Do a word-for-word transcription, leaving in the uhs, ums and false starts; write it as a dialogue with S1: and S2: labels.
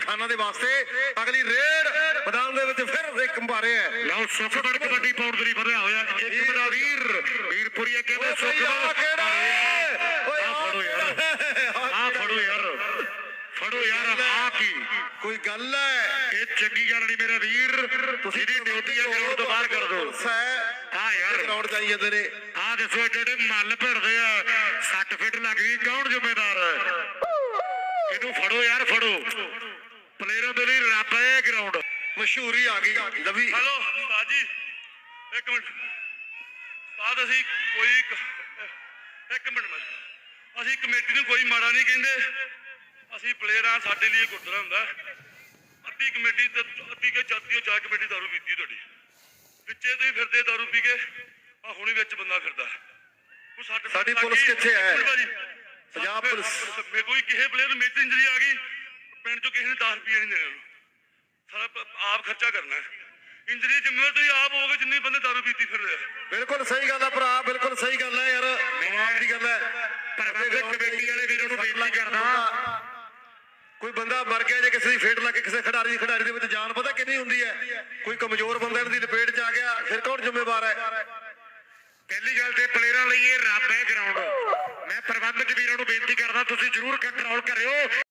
S1: ਕਿਸਾਨਾਂ ਦੇ ਵਾਸਤੇ ਅਗਲੀ ਰੇਡ ਮੈਦਾਨ ਦੇ ਵਿੱਚ ਫਿਰ ਇੱਕ ਭਾਰੇ ਹੈ।
S2: ਲਓ ਸੁਖਮਨ ਕਬੱਡੀ ਪਾਉਂਦਰੀ ਵਧਿਆ ਹੋਇਆ ਇੱਕ ਮੇਰਾ ਵੀਰ ਵੀਰਪੁਰੀਆ ਕਹਿੰਦੇ ਸੁਖਮਨ ਫੜੋ ਯਾਰ ਆ ਫੜੋ ਯਾਰ ਫੜੋ ਯਾਰ ਆ ਕੀ
S1: ਕੋਈ ਗੱਲ ਹੈ?
S2: ਇਹ ਚੰਗੀ ਗੱਲ ਨਹੀਂ ਮੇਰਾ ਵੀਰ ਤੁਸੀਂ ਦੀ ਡਿਊਟੀ ਆ ਗਰਾਊਂਡ ਤੋਂ ਬਾਹਰ ਕਰ ਦਿਓ ਆ ਯਾਰ
S1: ਗਰਾਊਂਡ ਜਾਈ ਜਾਂਦੇ ਨੇ।
S2: ਆ ਦੱਸੋ ਜਿਹੜੇ ਮੱਲ ਭਿੜਦੇ ਆ ਸੱਟ ਫਿੱਟ ਲੱਗ ਗਈ ਕੌਣ ਜ਼ਿੰਮੇਦਾਰ ਹੈ? ਇਹਨੂੰ ਫੜੋ ਯਾਰ ਫੜੋ ਪਲੇਅਰਾਂ ਦੇ ਲਈ ਰੱਬ ਹੈ ਗਰਾਊਂਡ
S1: ਮਸ਼ਹੂਰੀ ਆ ਗਈ ਲਵੀ।
S3: ਹੈਲੋ ਬਾਜੀ ਇੱਕ ਮਿੰਟ ਬਾਅਦ ਅਸੀਂ ਕੋਈ ਇੱਕ ਮਿੰਟ ਮੈਂ ਅਸੀਂ ਕਮੇਟੀ ਨੂੰ ਕੋਈ ਮਾੜਾ ਨਹੀਂ ਕਹਿੰਦੇ ਅਸੀਂ ਪਲੇਅਰ ਆ ਸਾਡੇ ਲਈ ਗੁਰਦੁਆਰਾ ਹੁੰਦਾ ਅੱਧੀ ਕਮੇਟੀ ਤੇ ਅੱਧੀ ਕੇ ਜਾਤੀ ਚਾਹ ਕਮੇਟੀ ਦਾਰੂ ਪੀਤੀ ਤੁਹਾਡੀ ਪਿੱਛੇ ਤੁਸੀਂ ਫਿਰਦੇ ਦਾਰੂ ਪੀ ਕੇ ਆ ਹੁਣੀ ਵਿੱਚ ਬੰਦਾ ਫਿਰਦਾ
S1: ਸਾਡੀ ਪੁਲਿਸ ਕਿੱਥੇ ਹੈ? ਪੰਜਾਬ ਪੁਲਿਸ
S3: ਮੇ ਕੋਈ ਕਿਸੇ ਪਲੇਅਰ ਨੂੰ ਮੇਜਰ ਇੰਜਰੀ ਆ ਗਈ ਪਿੰਡ ਚੋਂ ਕਿਸੇ ਨੇ ਦਸ ਰੁਪਏ ਨਹੀਂ ਦੇਣੇ ਉਹਨੂੰ ਸਾਰਾ ਆਪ ਖਰਚਾ ਕਰਨਾ ਇੰਜਰੀ ਜ਼ਿੰਮੇਵਾਰ ਤੁਸੀਂ ਆਪ ਹੋਗੇ ਜਿੰਨੇ ਬੰਦੇ ਦਾਰੂ ਪੀਤੀ ਫਿਰ ਰਹੇ
S1: ਬਿਲਕੁਲ ਸਹੀ ਗੱਲ ਹੈ ਭਰਾ ਬਿਲਕੁਲ ਸਹੀ ਗੱਲ ਹੈ ਯਾਰ ਦਿਮਾਗ ਦੀ ਗੱਲ ਹੈ।
S2: ਪ੍ਰਬੰਧਕ ਕਮੇਟੀ ਵਾਲੇ ਵੀਰਾਂ ਨੂੰ ਬੇਨਤੀ ਕਰਦਾ
S1: ਕੋਈ ਬੰਦਾ ਮਰ ਗਿਆ ਜੇ ਕਿਸੇ ਦੀ ਫੇਟ ਲੱਗ ਕੇ ਕਿਸੇ ਖਿਡਾਰੀ ਦੀ ਖਿਡਾਰੀ ਦੇ ਵਿੱਚ ਜਾਨ ਪਤਾ ਕਿੰਨੀ ਹੁੰਦੀ ਹੈ? ਕੋਈ ਕਮਜ਼ੋਰ ਬੰਦਾ ਇਹਨਾਂ ਦੀ ਲਪੇਟ 'ਚ ਆ ਗਿਆ ਫਿਰ ਕੌਣ ਜ਼ਿੰਮੇਵਾਰ ਹੈ?
S2: ਪਹਿਲੀ ਗੱਲ ਤੇ ਪਲੇਅਰਾਂ ਲਈ ਇਹ ਰੱਬ ਹੈ ਗਰਾਊਂਡ ਮੈਂ ਪ੍ਰਬੰਧਕ ਵੀਰਾਂ ਨੂੰ ਬੇਨਤੀ ਕਰਦਾ ਤੁਸੀਂ ਜ਼ਰੂਰ ਕੰਟਰੋਲ ਕਰਿਓ।